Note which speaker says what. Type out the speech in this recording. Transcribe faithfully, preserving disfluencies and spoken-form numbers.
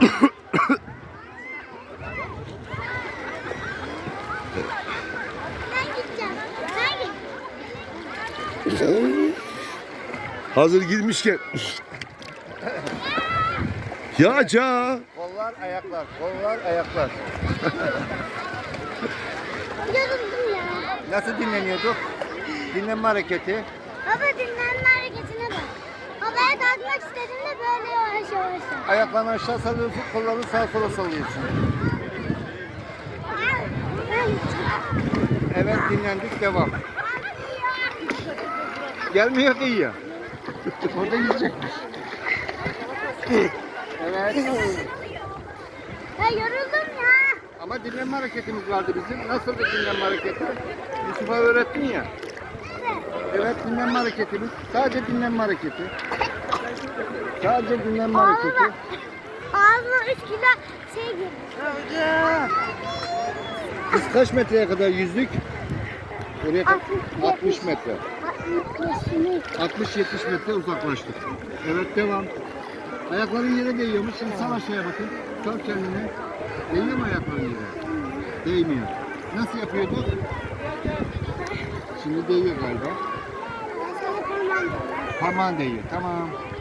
Speaker 1: Ben gideceğim. Ben gideceğim.
Speaker 2: Hazır girmişken. Ya ca.
Speaker 3: Kollar, ayaklar. Kollar, ayaklar.
Speaker 1: Yoruldum ya.
Speaker 3: Nasıl dinleniyorduk? Dinlenme hareketi.
Speaker 1: Baba dinlenme hareketine bak. Havaya kalkmak istediğimde böyle yavaş yavaş.
Speaker 3: Ayaklarını aşağı salıyorsun, kollarını sağa sola sallıyorsun.
Speaker 1: Ben gideceğim.
Speaker 3: Evet, dinlendik, devam. Gelmiyor ki ya. Orada gidecekmiş. Evet.
Speaker 1: Ya yoruldum ya.
Speaker 3: Ama dinlenme hareketimiz vardı bizim. Nasıl bir dinlenme hareketi? Yusuf'a öğrettin ya. Evet, dinlenme hareketimiz. Sadece dinlenme hareketi. Sadece dinlenme hareketi.
Speaker 1: Ağzıma, ağzıma üç kilo şey girdi.
Speaker 3: Biz kaç metreye kadar yüzdük? Oraya kadar altmış metre. altmış yetmiş metre uzaklaştık. Evet, devam. Ayakların yere değiyormuş. Şimdi sal aşağıya bakın. Sal kendini. Değiyor mu ayakların yere? Değmiyor. Nasıl yapıyorduk? Şimdi değiyor galiba. Parmağın değiyor. Tamam.